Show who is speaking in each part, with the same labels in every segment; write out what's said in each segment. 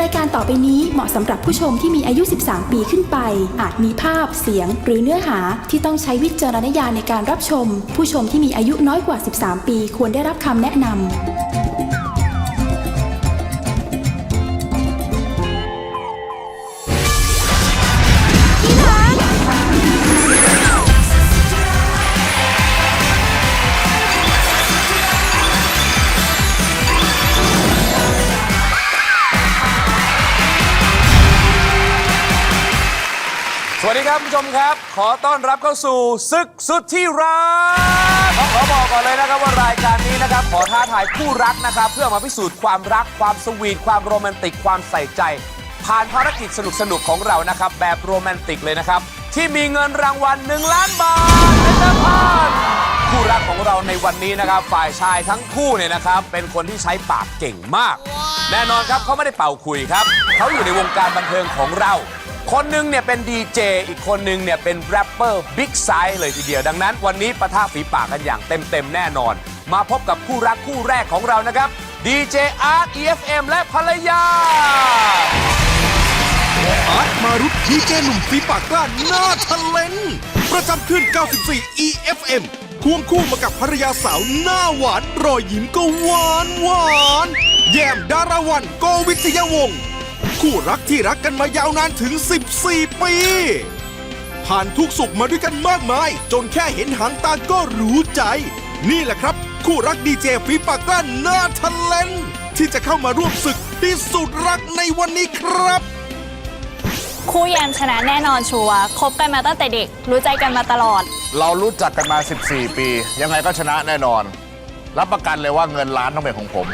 Speaker 1: ายการต่อไปนี้เหมาะสำหรับผู้ชมที่มีอายุ 13 ปีขึ้นไป อาจมีภาพ เสียง หรือเนื้อหาที่ต้องใช้วิจารณญาณในการรับชม ผู้ชมที่มีอายุน้อยกว่า 13 ปีควรได้รับคำแนะนำ
Speaker 2: สวัสดีครับผู้ชมครับขอต้อนรับเข้าสู่ศึกสุดที่รักขอบอกก่อนเลยนะครับว่ารายการนี้นะครับขอท้าทายคู่รักนะครับเพื่อมาพิสูจน์ความรักความสวีทความโรแมนติกความใส่ใจผ่านภารกิจสนุกๆของเรานะครับแบบโรแมนติกเลยนะครับที่มีเงินรางวัล1 ล้านบาทเป็นเดิมพันคู่รักของเราในวันนี้นะครับฝ่ายชายทั้งคู่เนี่ยนะครับเป็นคนที่ใช้ปากเก่งมากแน่นอนครับเขาไม่ได้เป่าคุยครับเขาอยู่ในวงการบันเทิงของเราคนหนึ่งเนี่ยเป็นดีเจอีกคนหนึ่งเนี่ยเป็นแรปเปอร์บิ๊กไซส์เลยทีเดียวดังนั้นวันนี้ปะทะฝีปากกันอย่างเต็มแน่นอนมาพบกับคู่รักคู่แรกของเรานะครับดีเจอาร์ต EFM และภรรยา
Speaker 3: อาร์ตมารุตดีเจหนุ่มฝีปากกล้าหน้าทะเลนประจำขึ้น 94 EFM ควงคู่มากับภรรยาสาวหน้าหวานรอยยิ้มก็หวานแยมดาราวันโกวิทยาวงศ์คู่รักที่รักกันมายาวนานถึง 14 ปี ผ่านทุกสุขมาด้วยกันมากมายจนแค่เห็นหางตาก็รู้ใจนี่แหละครับคู่รักดีเจฝีปากกล้าหน้าทะเลนที่จะเข้ามาร่วมศึกพิสูจน์รักในวันนี้ครับ
Speaker 4: คู่แยมชนะแน่นอนชัวร์คบกันมาตั้งแต่เด็กรู้ใจกันมาตลอด
Speaker 5: เรารู้จักกันมา 14 ปี ยังไงก็ชนะแน่นอนรับประกันเลยว่าเงินล้านต้องเป็นของผม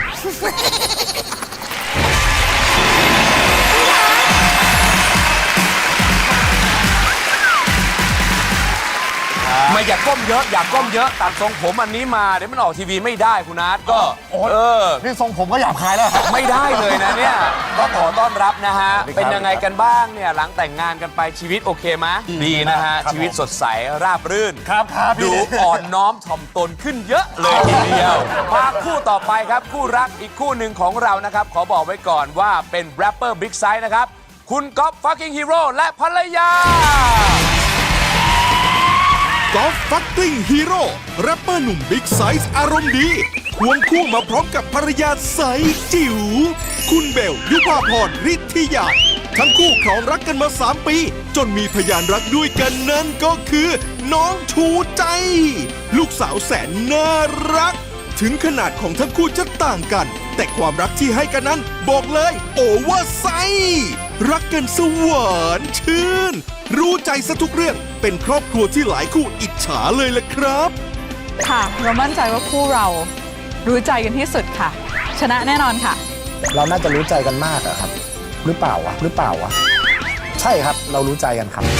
Speaker 2: ไม่อยากก้มเยอะอยากก้มเยอะตัดทรงผมอันนี้มาเดี๋ยวมันออกทีวีไม่ได้คุณอาร์ตก็
Speaker 5: นี่ทรงผมก็หยาบคายแล้ว
Speaker 2: ไม่ได้เลยนะเนี่ยก็ขอต้อนรับนะฮะเป็นยังไงกันบ้างเนี่ยหลังแต่งงานกันไปชีวิตโอเคไหมดีนะฮะชีวิตสดใสราบรื่น
Speaker 5: ครับ
Speaker 2: ดูอ่อนน้อมถ่อมตนขึ้นเยอะเลยทีเดียวมาคู่ต่อไปครับคู่รักอีกคู่หนึ่งของเรานะครับขอบอกไว้ก่อนว่าเป็นแรปเปอร์บิ๊กไซส์นะครับคุณก๊อฟฟักกิ้งฮีโร่และภรรยาก
Speaker 3: อล์ฟฟักกิ้งฮีโร่แรปเปอร์หนุ่มบิ๊กไซส์อารมณ์ดีควงคู่มาพร้อมกับภรรยาใสจิ๋วคุณเบลยุภาพรฤทธิยาทั้งคู่ครองรักกันมา 3 ปีจนมีพยานรักด้วยกันนั่นก็คือน้องชูใจ ลูกสาวแสนน่ารักถึงขนาดของทั้งคู่จะต่างกันแต่ความรักที่ให้กันนั้นบอกเลยโอเวอร์ไซส์รักกันสวรรค์ชื่นรู้ใจซะทุกเรื่องเป็นครอบครัวที่หลายคู่อิจฉาเลยล่ะครับ
Speaker 6: ค่ะเรามั่นใจว่าคู่เรารู้ใจกันที่สุดค่ะชนะแน่นอนค่ะ
Speaker 7: เราน่าจะรู้ใจกันมากอะครับหรือเปล่าวะใช่ครับเรารู้ใจกันครับ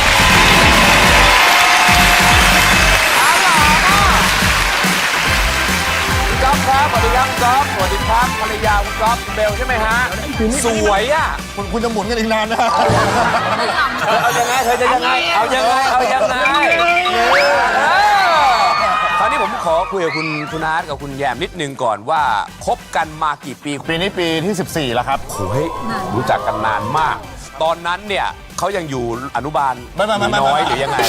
Speaker 2: ก๊อฟครับสวัสดีครับก๊อฟสวัสดีครับภรรยาคุณก๊อฟเบลใช่ไหมฮะสวยอ่ะ
Speaker 5: คุณจะหมุนกันอีกนานนะ
Speaker 2: เอายังไงเธอจะยังไงเอายังไงคราวนี้ผมขอคุยกับคุณอาร์ตกับคุณแยมนิดนึงก่อนว่าคบกันมากี่ปี
Speaker 5: ปีนี้ปีที่ 14 แล้วครับ
Speaker 2: โอ้ยรู้จักกันนานมากตอนนั้นเนี่ยเขายังอยู่อนุบาลน้อยหรือยังไง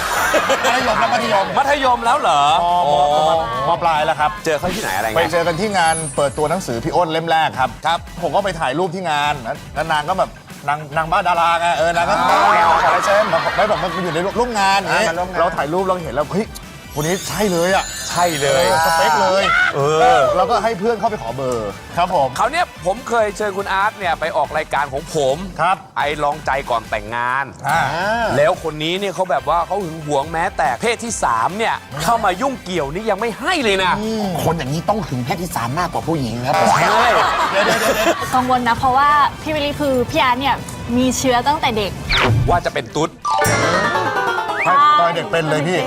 Speaker 2: มัธยมแล้วเหรอ
Speaker 5: มปลายแล้วครับ
Speaker 2: เจอเขาที่ไหนอะไร
Speaker 5: ไปเจอกันที่งานเปิดตัวหนังสือพี่อ้นเล่มแรกครับผมก็ไปถ่ายรูปที่งานแล้วนางก็แบบนางบ้าดาราไงนางก็ขอลายเซ็นไม่บอกมันอยู่ในร่วมงานอย่างนี้เราถ่ายรูปเราเห็นแล้วเฮ้ยคนนี้ใช่เลยอ่ะ
Speaker 2: ใช่เลย
Speaker 5: สเปคเลยเราก็ให้เพื่อนเข้าไปขอเบอร์ครับผม
Speaker 2: เขาเนี่ยผมเคยเชิญคุณอาร์ตเนี่ยไปออกรายการของผม
Speaker 5: ครับ
Speaker 2: ไอลองใจก่อนแต่งงานแล้วคนนี้เนี่ยเขาแบบว่าเขาหึงหวงแม้แต่เพศที่3เนี่ยเข้ามายุ่งเกี่ยวนี่ยังไม่ให้เลยนะ
Speaker 7: คนอย่างนี้ต้องหึงเพศที่3มากกว่าผู้หญิงครับ
Speaker 2: ใช่
Speaker 4: กังวลนะเพราะว่าพี่วิลลี่คือพี่อาร์ตเนี่ยมีเชื้อตั้งแต่เด็ก
Speaker 2: ว่าจะเป็นตุ๊ด
Speaker 5: ตอนเด็กเป็นเลยพี่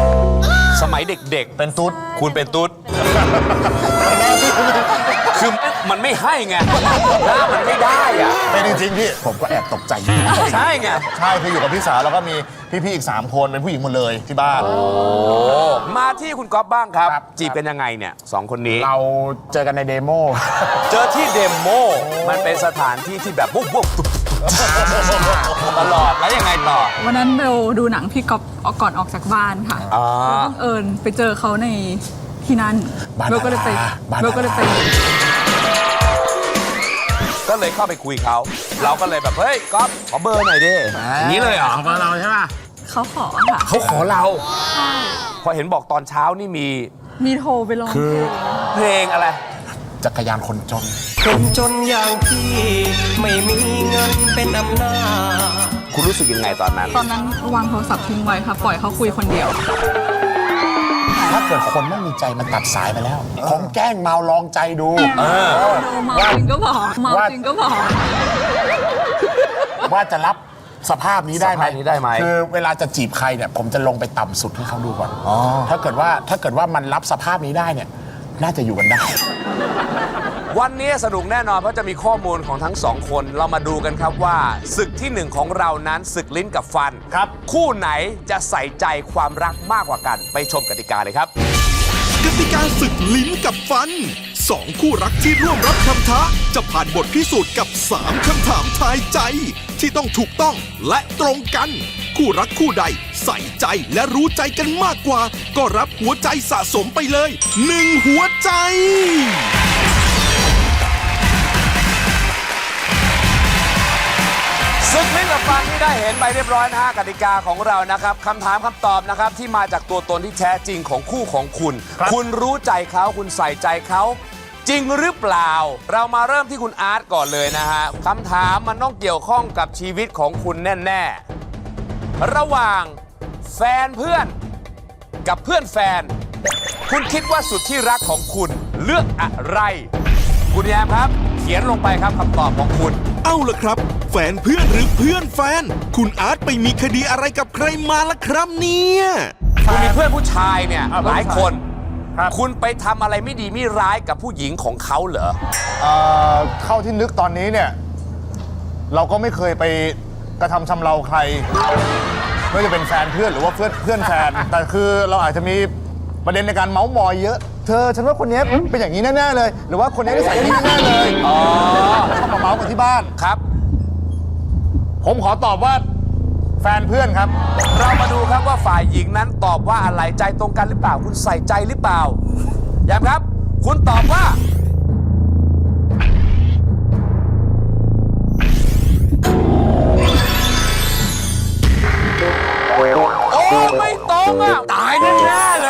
Speaker 2: สมัยเด็ก
Speaker 5: ๆเป็นตุ๊ด
Speaker 2: คุณเป็นตุ๊ดคือมันไม่ให้ไงหน้ามันไม่ได้อ่ะ
Speaker 5: เป็นจริงๆพี่ผมก็แอบตกใจอยู่
Speaker 2: ใช่ไง
Speaker 5: ใช่คืออยู่กับพี่สาวแล้วก็มีพี่ๆอีก 3 คนเป็นผู้หญิงหมดเลยที่บ้าน
Speaker 2: มาที่คุณก๊อฟบ้างครับ
Speaker 7: ครับ
Speaker 2: จีบกันยังไงเนี่ยสองคนนี้
Speaker 7: เราเจอกันในเดโม
Speaker 2: เจอที่เดโมมันเป็นสถานที่ที่แบบบุ๊บบุ๊บตลอดแล้วยังไงต่อ
Speaker 6: วันนั้นเบลดูหนังพี่ก๊อฟก่อนออกจากบ้านค่ะ
Speaker 2: อ่า
Speaker 6: บังเอิญไปเจอเขาในที่นั่น
Speaker 7: บ้าน
Speaker 6: เบลก็เลยไป
Speaker 7: บ้าน
Speaker 6: เบลก็เลยไป
Speaker 2: ก็เลยเข้าไปคุยเขา เราก็เลยแบบ เฮ้ยก๊อฟขอเบอร์หน่อยดิอย่างนี้เลยเหรอ
Speaker 7: ของเราใช่ป่ะ
Speaker 6: เขาขอค่ะ
Speaker 2: เขาขอเราพอเห็นบอกตอนเช้านี่มี
Speaker 6: มีโทรไปร้องเพลง
Speaker 2: เพลงอะไร
Speaker 7: จักรยานคนจน
Speaker 8: คนจนอย่างพี่ไม่มีเงินเป็นอำนาจ
Speaker 2: คุณรู้สึกยังไงตอนนั้น
Speaker 6: ตอนนั้นวางโทรศัพท์ทิ้งไว้ค่ะ ปล่อยเขาคุยคนเดียว
Speaker 7: ถ้าเกิดคนไม่มีใจมันตัดสายไปแล้ว ผมแกล้งเมาลองใจดู
Speaker 6: เมาจริงก็บอกเมาจริงก็บอก
Speaker 7: ว่าจะรับสภาพนี้ได้ไหม
Speaker 2: สภาพนี้ได้ไหม
Speaker 7: คือเวลาจะจีบใครเนี่ย ผมจะลงไปต่ำสุดให้เขาดูก่อนถ้าเกิดว่ามันรับสภาพนี้ได้เนี่ย น่าจะอยู่กันได้
Speaker 2: วันนี้สนุกแน่นอนเพราะจะมีข้อมูลของทั้งสองคนเรามาดูกันครับว่าศึกที่หนึ่งของเรานั้นศึกลิ้นกับฟัน
Speaker 5: ครับ
Speaker 2: คู่ไหนจะใส่ใจความรักมากกว่ากันไปชมกติกาเลยครับ
Speaker 3: กติกาศึกลิ้นกับฟัน 2 คู่รักที่ร่วมรับคำท้าจะผ่านบทพิสูจน์กับ 3 คำถามทายใจ ที่ต้องถูกต้องและตรงกัน คู่รักคู่ใดใส่ใจและรู้ใจกันมากกว่า ก็รับหัวใจสะสมไปเลย 1 หัวใจ
Speaker 2: ศึกลิ้นกับฟันที่ได้เห็นไปเรียบร้อยนะฮะกติกาของเรานะครับคำถามคำตอบนะครับที่มาจากตัวตนที่แท้จริงของคู่ของคุณ คุณรู้ใจเขาคุณใส่ใจเขาจริงหรือเปล่า เรามาเริ่มที่คุณอาร์ตก่อนเลยนะฮะคำถามมันต้องเกี่ยวข้องกับชีวิตของคุณแน่ๆระหว่างแฟนเพื่อนกับเพื่อนแฟน คุณคิดว่าสุดที่รักของคุณเลือกอะไร คุณแยมครับ เขียนลงไปครับคำตอบของคุณ
Speaker 3: เอาล่ะครับ แฟนเพื่อนหรือเพื่อนแฟน คุณอาร์ตไปมีคดีอะไรกับใครมาล่ะครับเนี่ย
Speaker 2: คุณมีเพื่อนผู้ชายเนี่ยหลายคน
Speaker 5: ครับ
Speaker 2: คุณไปทำอะไรไม่ดีไม่ร้ายกับผู้หญิงของเขาเหรอ
Speaker 5: เข้าที่นึกตอนนี้เนี่ย เราก็ไม่เคยไปกระทำชำเราใครไม่ว่าจะเป็นแฟนเพื่อนหรือว่าเพื่อนแฟน แต่คือเราอาจจะมีประเด็นในการเมาส์มอยเยอะ เธอฉันว่าคนนี้เป็นอย่างนี้แน่ๆเลย หรือว่าคนนี้นิสัยนี้แน่ๆเลยชอบมาเมาส์กันที่บ้าน
Speaker 2: ครับ
Speaker 5: ผมขอตอบว่าแฟนเพื่อนครับ
Speaker 2: เรามาดูครับว่าฝ่ายหญิงนั้นตอบว่าอะไรใจตรงกันหรือเปล่า คุณใส่ใจหรือเปล่าย้ำครับ คุณตอบว่า โอ้ไม่ตรงอ่ะ ตายแน่ๆเลย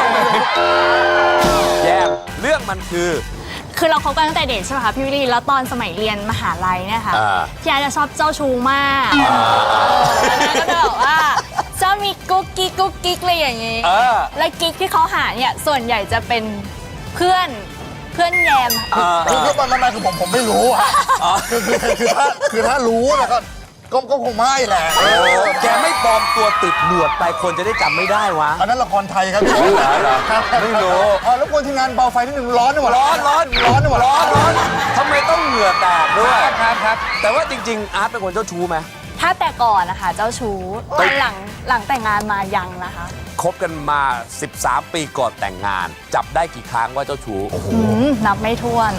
Speaker 2: แยมเรื่องมันคือ
Speaker 4: คือเราคบกันตั้งแต่เด็กใช่ไหมคะพี่วิลลี่แล้วตอนสมัยเรียนมหาลัยเนี่ยค่ะ
Speaker 2: อ่า
Speaker 4: พี่อาร์ตจะชอบเจ้าชู้มากแล้วก็จะแบบว่าชอบมีกุ๊กกิ๊กอะไรอย่างงี้
Speaker 2: เออ
Speaker 4: และกิ๊กที่เขาหาเนี่ยส่วนใหญ่จะเป็นเพื่อนแยม
Speaker 5: คือมันคือผมไม่รู้อะคือถ้ารู้นะก็คงไม่แหละ
Speaker 2: แกไม่ปลอมตัวติดหนวดไปคนจะได้จำไม่ได้วะ
Speaker 5: อันนั้นละครไทยครับพี่ ครับ
Speaker 2: ไม่รู้
Speaker 5: แล้วคนทีมงานเบาไฟนิดนึงร้อนไปหมด
Speaker 2: ร้อน
Speaker 5: ร้อนไปหมด
Speaker 2: ร้อนทำไมต้องเหงื่อแตกด้วยครับ แต่ว่าจริง ๆ อาร์ตเป็นคนเจ้าชู้ไหม
Speaker 4: ถ้าแต่ก่อนนะคะเจ้าชู้แต่หลังแต่งงานมายังนะคะ
Speaker 2: คบกันมา 13 ปีก่อนแต่งงาน จับได้กี่ครั้งว่าเจ้าชู้
Speaker 4: นับไม่ถ้วน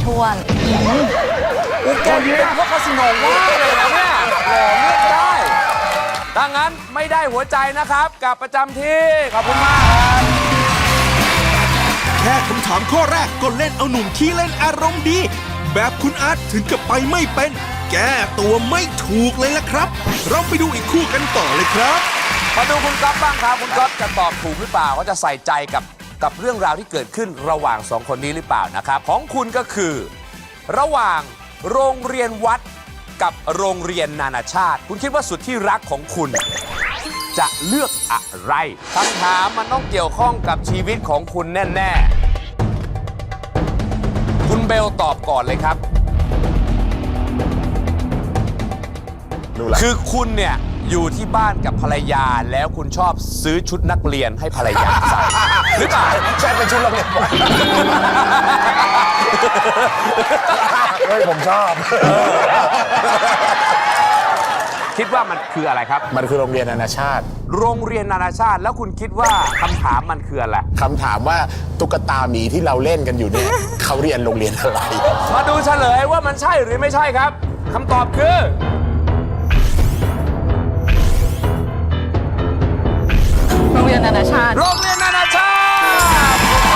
Speaker 2: แกเป็นพวกคาสิโนว่าเลยนะเนี่ยหล่อเลือกได้ดังนั้นไม่ได้หัวใจนะครับกลับประจำที่ ขอบคุณมากครับ
Speaker 3: แค่คำถามข้อแรกก็เล่นเอาหนุ่มขี้เล่นอารมณ์ดี แบบคุณอาร์ตถึงกับไปไม่เป็น แก้ตัวไม่ถูกเลยล่ะครับ เราไปดูอีกคู่กันต่อเลยครับ
Speaker 2: มาดูคุณก๊อฟบ้างครับ คุณก๊อฟจะตอบถูกหรือเปล่าว่าจะใส่ใจกับเรื่องราวที่เกิดขึ้นระหว่างสองคนนี้หรือเปล่านะครับ ของคุณก็คือ ระหว่างโรงเรียนวัดกับโรงเรียนนานาชาติ คุณคิดว่าสุดที่รักของคุณ จะเลือกอะไรคำถามมันต้องเกี่ยวข้องกับชีวิตของคุณแน่ๆคุณเบลตอบก่อนเลยครับ คือคุณเนี่ยอยู่ที่บ้านกับภรรยาแล้วคุณชอบซื้อชุดนักเรียนให้ภรรยาใส่หรือเปล่า
Speaker 5: ใช่เป็นชุดโรงเรียนบอลเฮ้ยผมชอบ
Speaker 2: คิดว่ามันคืออะไรครับ
Speaker 7: มันคือโรงเรียนนานาชาติ
Speaker 2: โรงเรียนนานาชาติแล้วคุณคิดว่าคำถามมันคืออะไร
Speaker 7: คำถามว่าตุ๊กตาหมีที่เราเล่นกันอยู่เนี่ย เขาเรียนโรงเรียนอะไร
Speaker 2: มาดูเฉลยว่ามันใช่หรือไม่ใช่ครับคำตอบคือ
Speaker 6: โรงเรียนนานาชาติ
Speaker 2: โรงเรียนนานาชาติ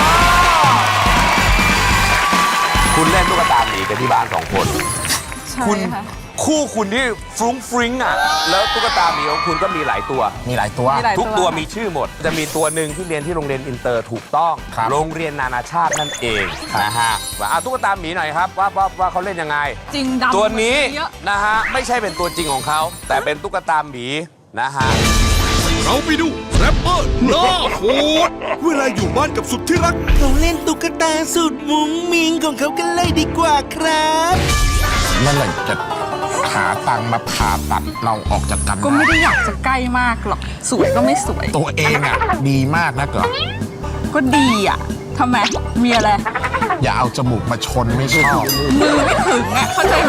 Speaker 2: คุณเล่นตุ๊กตาหมีกันที่บ้าน2 คน
Speaker 6: ใช่
Speaker 2: คุณ
Speaker 6: ค่ะ
Speaker 2: คู่คุณที่ฟรุ้งฟริ้งอ่ะแล้วตุ๊กตาหมีของคุณก็มีหลายตัว
Speaker 7: มีหลายตัว
Speaker 6: มีหลาย
Speaker 2: ทุกตัวมีชื่อหมด จะมีตัวหนึ่งที่เรียนที่โรงเรียนอินเตอร์ถูกต้อง
Speaker 7: ครับ
Speaker 2: โรงเรียนนานาชาตินั่นเองนะฮะว่าตุ๊กตาหมีหน่อยครับว่าเขาเล่นยังไง
Speaker 6: จริงดำ
Speaker 2: ตัวนี้
Speaker 6: เยอะ
Speaker 2: นะฮะไม่ใช่เป็นตัวจริงของเขาแต่เป็นตุ๊กตาหมีนะฮะ
Speaker 3: เราไปดูแรปเปอร์หน้าโหดเวลาอยู่บ้านกับสุดที่รัก
Speaker 9: เขาเล่นตุ๊กตาสุดมุ้งมิงของเขากันเลยดีกว่าครับ
Speaker 7: นั่นแหละจะหาตังค์มาผ่าตัดเราออกจากกัน
Speaker 6: ก็ไม่ได้อยากจะใกล้มากหรอก สวยก็ไม่สวย
Speaker 7: ตัวเองอ่ะ ดีมากนะเกิด
Speaker 6: ก็ดีอ่ะทำไม มีอะไร
Speaker 7: อย่าเอาจมูกมาชนไม่ชอบ
Speaker 6: มือไม่ถึงอ่ะ เข้าใจไหม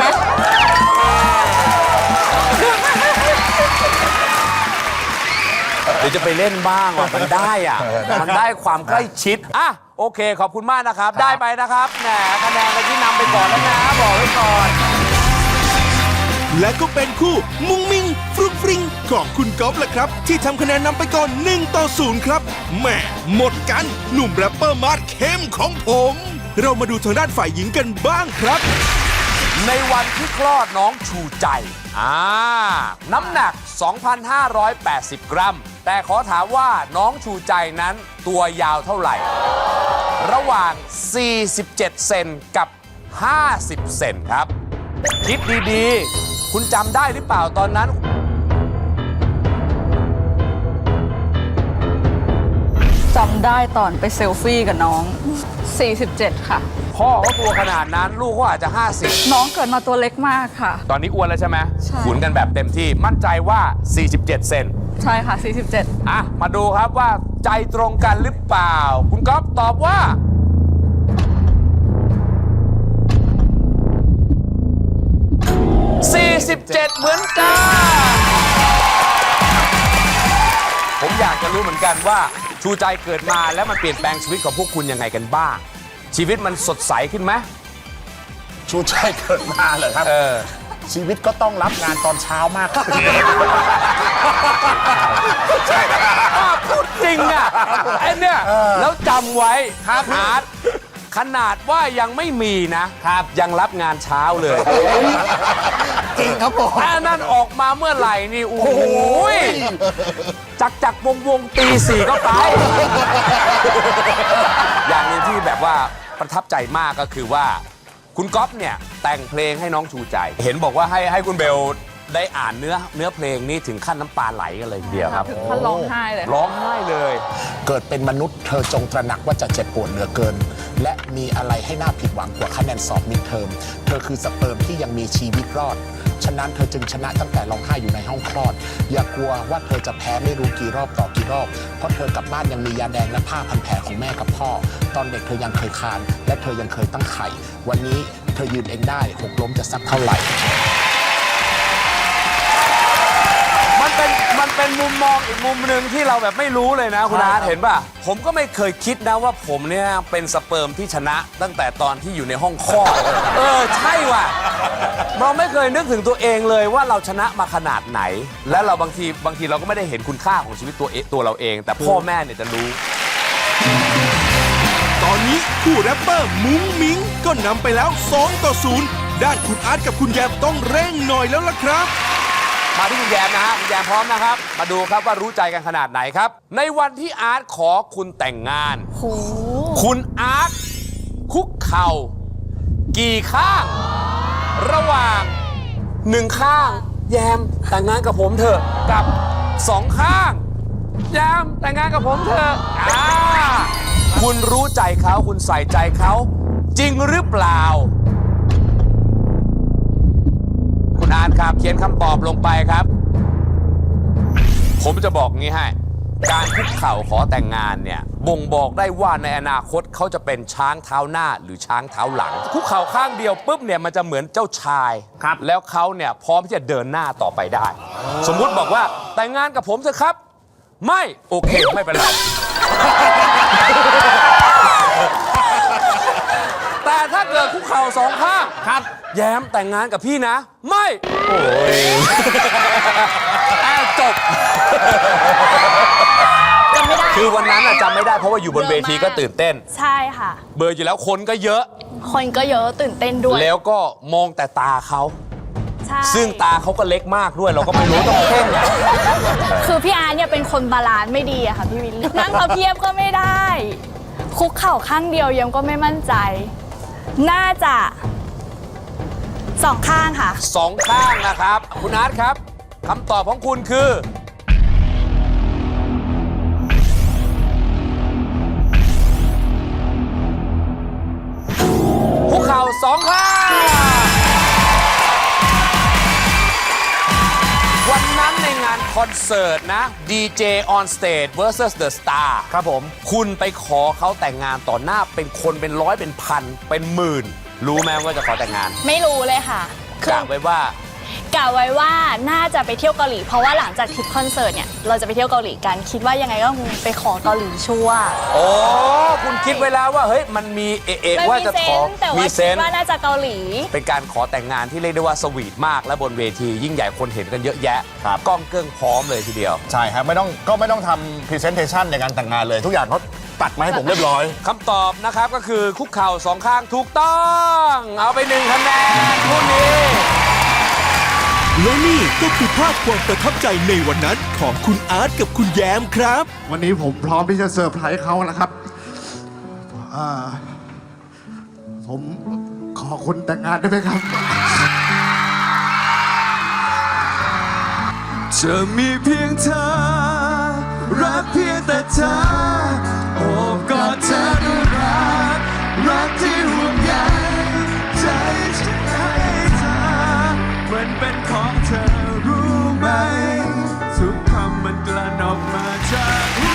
Speaker 2: เดี๋ยวจะไปเล่นบ้างว่ะมันได้อ่ะ มันได้ความใกล้ชิดอ่ะโอเคขอบคุณมากนะครับ ได้ไปนะครับแหมคะแนนกันที่นำไปก่อนแล้วนะบอกไว้ก่อน
Speaker 3: และก็เป็นคู่มุ้งมิงฟรุ้งฟริ้งของคุณก๊อฟแหละครับ ที่ทำคะแนนนำไปก่อน1-0 ครับแหมหมดกันหนุ่มแรปเปอร์มาร์ทเข้มของผม เรามาดูทางด้านฝ่ายหญิงกันบ้างครับ
Speaker 2: ในวันที่คลอดน้องชูใจน้ำหนัก 2,580 กรัม แต่ขอถามว่าน้องชูใจนั้นตัวยาวเท่าไหร่ ระหว่าง 47 เซนกับ 50 เซนครับ คิดดีๆ คุณจำได้หรือเปล่าตอนนั้น
Speaker 6: จำได้ตอนไปเซลฟี่กับน้อง 47 ค่ะ
Speaker 2: พ่อเขาตัวขนาดนั้นลูกเขาอาจจะ 50
Speaker 6: น้องเกิดมาตัวเล็กมากค่ะ
Speaker 2: ตอนนี้อ้วนแล้วใช่ไหม
Speaker 6: ใช่
Speaker 2: ขุนกันแบบเต็มที่มั่นใจว่า 47 เซน
Speaker 6: ใช่ค่ะ 47
Speaker 2: อ่ะ มาดูครับว่าใจตรงกันหรือเปล่า คุณก๊อฟตอบว่า 47 เหมือนกัน ผมอยากจะรู้เหมือนกันว่าชูใจเกิดมาแล้วมันเปลี่ยนแปลงชีวิตของพวกคุณยังไงกันบ้าง ชีวิตมันสดใสขึ้นไหม
Speaker 7: ชูใจเกิดมาเหรอครับ ชีวิตก็ต้องรับงานตอนเช้ามากขึ้น
Speaker 2: ใช่พูดจริงอ่ะไอ้เนี่ยแล้วจำไว้ครับอาร์ตขนาดว่ายังไม่มีนะครับยังรับงานเช้าเลย
Speaker 5: จริงครับผม
Speaker 2: ถ้านั่นออกมาเมื่อไหร่นี่โอ้โหจักวงตี 4ก็ไป อย่างหนึงที่แบบว่าประทับใจมากก็คือว่าคุณก๊อฟเนี่ยแต่งเพลงให้น้องชูใจ เห็นบอกว่าให้คุณเบลได้อ่านเนื้อเพลงนี้ถึงขั้นน้ำตาไหลกันเลยทีเดียวครับ
Speaker 6: ถึงขั้นร้องไห้เลย
Speaker 2: ร้องไห้เลย
Speaker 7: เกิดเป็นมนุษย์เธอจงตระหนักว่าจะเจ็บปวดเหลือเกิน และมีอะไรให้น่าผิดหวังกว่าคะแนนสอบมิดเทอมเธอคือสเปิร์มที่ยังมีชีวิตรอด ฉะนั้นเธอจึงชนะตั้งแต่ร้องไห้อยู่ในห้องคลอด อย่ากลัวว่าเธอจะแพ้ไม่รู้กี่รอบต่อกี่รอบ เพราะเธอกลับบ้านยังมียาแดงและผ้าพันแผลของแม่กับพ่อ ตอนเด็กเธอยังเคยคลานและเธอยังเคยตั้งไข่ วันนี้เธอยืนเองได้หกล้มจะสักเท่าไหร่
Speaker 2: มันเป็นมุมมองอีกมุมหนึ่งที่เราแบบไม่รู้เลยนะคุณอาร์ตเห็นป่ะ ผมก็ไม่เคยคิดนะว่าผมเนี่ยเป็นสเปิร์มที่ชนะตั้งแต่ตอนที่อยู่ในห้องคลอดใช่ว่ะ เราไม่เคยนึกถึงตัวเองเลยว่าเราชนะมาขนาดไหน และเราบางทีเราก็ไม่ได้เห็นคุณค่าของชีวิตตัวเราเอง แต่พ่อแม่เนี่ยจะรู้
Speaker 3: ตอนนี้คู่แรปเปอร์มุ้งมิงก็นำไปแล้ว2-0 ด้านคุณอาร์ตกับคุณแยมต้องเร่งหน่อยแล้วล่ะครับ
Speaker 2: มาที่คุณแยมนะฮะคุณแยมพร้อมนะครับ มาดูครับว่ารู้ใจกันขนาดไหนครับ ในวันที่อาร์ตขอคุณแต่งงาน คุณอาร์ตคุกเข่ากี่ข้าง ระหว่าง1ข้าง แยมแต่งงานกับผมเถอะกับ2ข้าง แยมแต่งงานกับผมเถอะคุณรู้ใจเขาคุณใส่ใจเขาจริงหรือเปล่า คุณอาร์ตครับเขียนคำตอบลงไปครับผมจะบอกงี้ให้ การคุกเข่าขอแต่งงานเนี่ยบ่งบอกได้ว่าในอนาคตเขาจะเป็นช้างเท้าหน้าหรือช้างเท้าหลัง คุกเข่าข้างเดียวปุ๊บเนี่ยมันจะเหมือนเจ้าชายครับแล้วเขาเนี่ยพร้อมที่จะเดินหน้าต่อไปได้ สมมุติบอกว่าแต่งงานกับผมเถอะครับ ไม่โอเคไม่เป็นไร แต่ถ้าเกิดคุกเข่าสองข้างครับแย้มแต่งงานกับพี่นะ ไม่โอ้ยจบ
Speaker 4: จำไม่ได้
Speaker 2: คือวันนั้นจำไม่ได้เพราะว่าอยู่บนเวทีก็ตื่นเต้น
Speaker 4: ใช่ค่ะ
Speaker 2: เบอร์อยู่แล้วคนก็เยอะ
Speaker 4: คนก็เยอะตื่นเต้นด้วย
Speaker 2: แล้วก็มองแต่ตาเขา
Speaker 4: ใช่
Speaker 2: ซึ่งตาเขาก็เล็กมากด้วยเราก็ไม่รู้ต้องเพ่ง
Speaker 4: คือพี่อาร์ตเนี่ยเป็นคนบาลานซ์ไม่ดีอะค่ะพี่วิลลี่นั่งพับเพียบก็ไม่ได้ คุกเข่าข้างเดียวยังก็ไม่มั่นใจ น่าจะสองข้างค่ะ
Speaker 2: สองข้างนะครับคุณอาร์ตครับคำตอบของคุณคือคุกเข่าสองข้างวันนั้นในงานคอนเสิร์ตนะ DJ on stage versus the star
Speaker 5: ครับผม
Speaker 2: คุณไปขอเขาแต่งงานต่อหน้าเป็นคนเป็นร้อยเป็นพันเป็นหมื่น รู้ไหมว่าจะขอแต่งงาน
Speaker 4: ไม่รู้เลยค่ะ
Speaker 2: กะไว้ว่า
Speaker 4: กะไว้ว่าน่าจะไปเที่ยวเกาหลีเพราะว่าหลังจากทริปคอนเสิร์ตเนี่ยเราจะไปเที่ยวเกาหลีกันคิดว่ายังไงก็คงไปขอเกาหลีชัวร์
Speaker 2: โอ้คุณคิดไว้แล้วว่าเฮ้ยมันมีว่าจะขอ
Speaker 4: แต่ว่าคิดว่าน่าจะเกาหลี
Speaker 2: เป็นการขอแต่งงานที่เรียกได้ว่าสวีทมากและบนเวทียิ่งใหญ่คนเห็นกันเยอะแยะกล้องเกิ้งพร้อมเลยทีเดียว
Speaker 5: ใช่ครับไม่ต้องทำพรีเซนเทชันในการแต่งงานเลยทุกอย่างเขาตัดมาให้ผมเรียบร้อย
Speaker 2: คำตอบนะครับก็คือคุกเข่าสองข้างถูกต้อง เอาไป1 คะแนนคู่นี้
Speaker 3: และนี่ก็คือภาพความประทับใจในวันนั้นของคุณอาร์ตกับคุณแยมครับ
Speaker 10: วันนี้ผมพร้อมที่จะเซอร์ไพรส์เขานะครับผมขอคุณแต่งงานได้ไหมครับ
Speaker 3: จะมีเพียงเธอ รักเพียงแต่เธอ โอบกอดเธอด้วยรักที่ห่วงใยใจฉันให้เธอมันเป็นของเธอรู้ไหม ทุกคำมันกลั่นออกมาจากหัว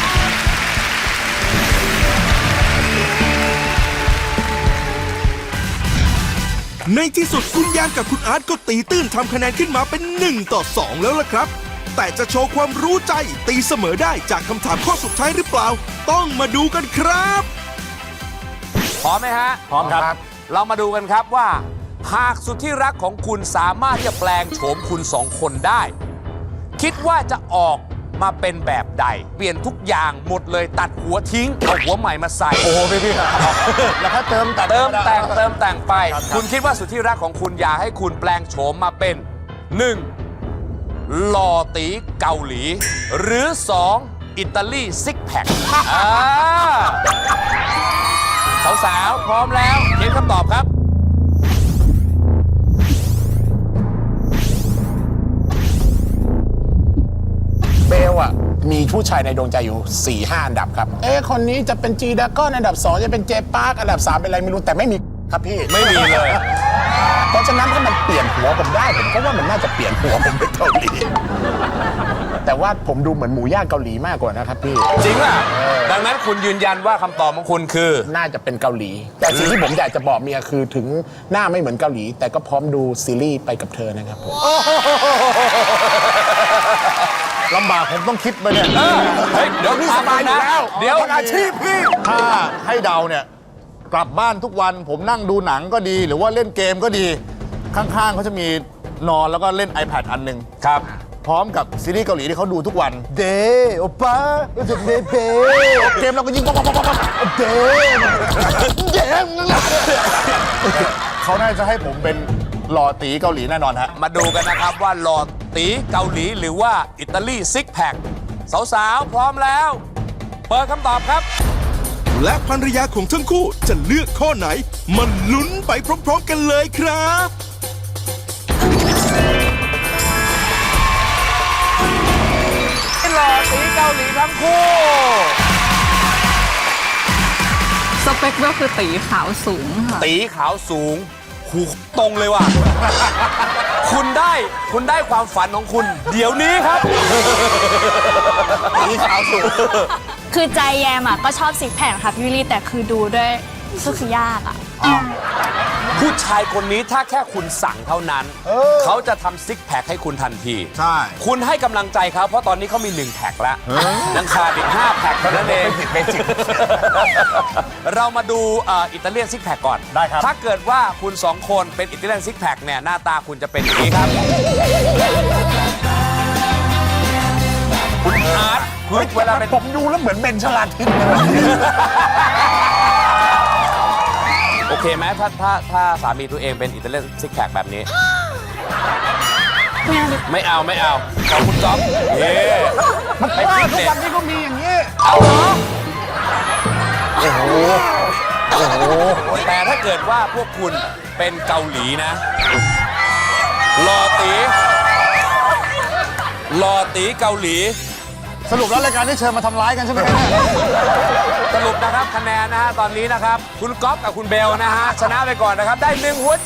Speaker 3: ในที่สุดคุณยางกับคุณอาร์ตก็ตีตื้นทำคะแนนขึ้นมาเป็น1-2แล้วล่ะครับ แต่จะโชว์ความรู้ใจตีเสมอได้จากคำถามข้อสุดท้ายหรือเปล่า ต้องมาดูกันครับ
Speaker 2: พร้อมไหมฮะ
Speaker 5: พร้อมครับ
Speaker 2: เรามาดูกันครับว่า หากสุดที่รักของคุณสามารถที่จะแปลงโฉมคุณสองคนได้ คิดว่าจะออกมาเป็นแบบใด เปลี่ยนทุกอย่างหมดเลยตัดหัวทิ้งเอาหัวใหม่มาใส่
Speaker 5: โอ้โหพี่แล้วถ้าเติมแต่ง
Speaker 2: เติมแต่งไป คุณคิดว่าสุดที่รักของคุณอยากให้คุณแปลงโฉมมาเป็น 1. หล่อตีเกาหลี หรือ 2. อิตาลีซิกแพคสาวๆพร้อมแล้วเขียนคำตอบครับ
Speaker 7: เบลอะมีผู้ชายในดวงใจอยู่ 4-5 อันดับครับ คนนี้จะเป็นจีดาก้อนอันดับ 2 จะเป็นเจปาร์กอันดับ 3 เป็นอะไรไม่รู้แต่ไม่มีครับพี่
Speaker 2: ไม่มีเลย
Speaker 7: เพราะฉะนั้นถ้ามันเปลี่ยนหัวผมได้ผมก็ว่ามันน่าจะเปลี่ยนหัวผมเป็นเกาหลี แต่ว่าผมดูเหมือนหมูย่างเกาหลีมากกว่านะครับพี่
Speaker 2: จริงอ่ะดังนั้นคุณยืนยันว่าคำตอบของคุณคือ
Speaker 7: น่าจะเป็นเกาหลี แต่สิ่งที่ผมอยากจะบอกเมียคือถึงหน้าไม่เหมือนเกาหลี แต่ก็พร้อมดูซีรีส์ไปกับเธอนะครับผม
Speaker 5: ลำบากผมต้องคิดไปเนี่ย
Speaker 2: เฮ้ยเดี๋ยวพี่สบายอยู่แล้วเดี๋ยว
Speaker 5: อาชีพพี่ถ้าให้เดาเนี่ยกลับบ้านทุกวันผมนั่งดูหนังก็ดี หรือว่าเล่นเกมก็ดี ข้างๆเขาจะมีนอนแล้วก็เล่น iPad อันหนึ่ง
Speaker 2: ครับ
Speaker 5: พร้อมกับซีรีส์เกาหลีที่เขาดูทุกวันเดโอป้ารู้สึกเดเปเกมเราก็ยิงป๊อกเดเดเขาน่าจะให้ผมเป็นหล่อตีเกาหลีแน่นอนฮะ
Speaker 2: มาดูกันนะครับว่าหล่อตีเกาหลีหรือว่าอิตาลีซิกแพคสาวๆพร้อมแล้ว เปิดคำตอบครับ
Speaker 3: และภรรยาของทั้งคู่จะเลือกข้อไหนมันลุ้นไปพร้อมๆกันเลยครับ
Speaker 2: หล่อตีเกาหลีทั้งคู่
Speaker 6: สเปคก็คือตีขาวสูงค่ะ
Speaker 2: ตีขาวสูงหูตรงเลยว่ะ คุณได้ความฝันของคุณ เดี๋ยวนี้ครับ
Speaker 5: นี่ขาวสุด
Speaker 4: คือใจแยมก็ชอบซิกแพคค่ะพี่วิลลี่แต่คือดูด้วยก็คือยากอะ
Speaker 2: ผู้ชายคนนี้ถ้าแค่คุณสั่งเท่านั้น เขาจะทำซิกแพคให้คุณทันที
Speaker 5: ใช่
Speaker 2: คุณให้กำลังใจเขาเพราะตอนนี้เขามี 1 แพ็คแล้วยังขาดอีก 5 แพ็คเท่านั้นเอง
Speaker 5: เบสิก
Speaker 2: เรามาดูอิตาเลียนซิกแพคก่อน
Speaker 5: ได้ครับ
Speaker 2: ถ้าเกิดว่าคุณ 2 คนเป็นอิตาเลียนซิกแพคเนี่ยหน้าตาคุณจะเป็นอย่างนี้ครับ คุณอาร์ตคุณเวลาเป็น
Speaker 5: ผมดูแล้วเหมือนเบนชลาทิศ
Speaker 2: โอเคไหมถ้าสามีตัวเองเป็นอิตาเลียนซิกแพคแบบนี้ ไม่เอาขอบคุณจ๊อบเย้ไปฟิตเนส
Speaker 5: วันนี้ก็มีอย่างนี้
Speaker 2: เอาเหรอโอ้โหแต่ถ้าเกิดว่าพวกคุณเป็นเกาหลีนะหล่อตีเกาหลี
Speaker 5: สรุปแล้วรายการที่เชิญมาทำร้ายกันใช่ไหมครับเนี่ย
Speaker 2: สรุปนะครับคะแนนนะฮะตอนนี้นะครับ คุณก๊อฟกับคุณเบลนะฮะชนะไปก่อนนะครับได้1 หัวใจ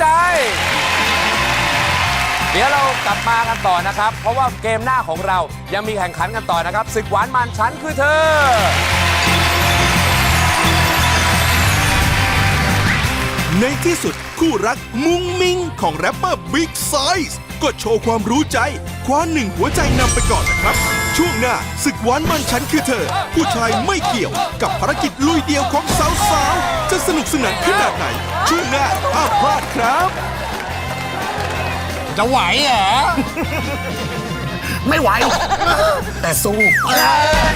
Speaker 2: เดี๋ยวเรากลับมากันต่อนะครับ เพราะว่าเกมหน้าของเรายังมีแข่งขันกันต่อนะครับศึกหวานมันฉันคือเธอ
Speaker 3: ในที่สุดคู่รักมุ้งมิ้งของแรปเปอร์บิ๊กไซส์ก็โชว์ความรู้ใจคว้า1 หัวใจนำไปก่อนนะครับ ช่วงหน้าศึกหวานมันฉันคือเธอ ผู้ชายไม่เกี่ยวกับภารกิจลุยเดียวของสาวๆ จะสนุกสนานขนาดไหน ช่วงหน้าห้ามพลาดครับ
Speaker 7: จะไหวเหรอ ไม่ไหว แต่สู้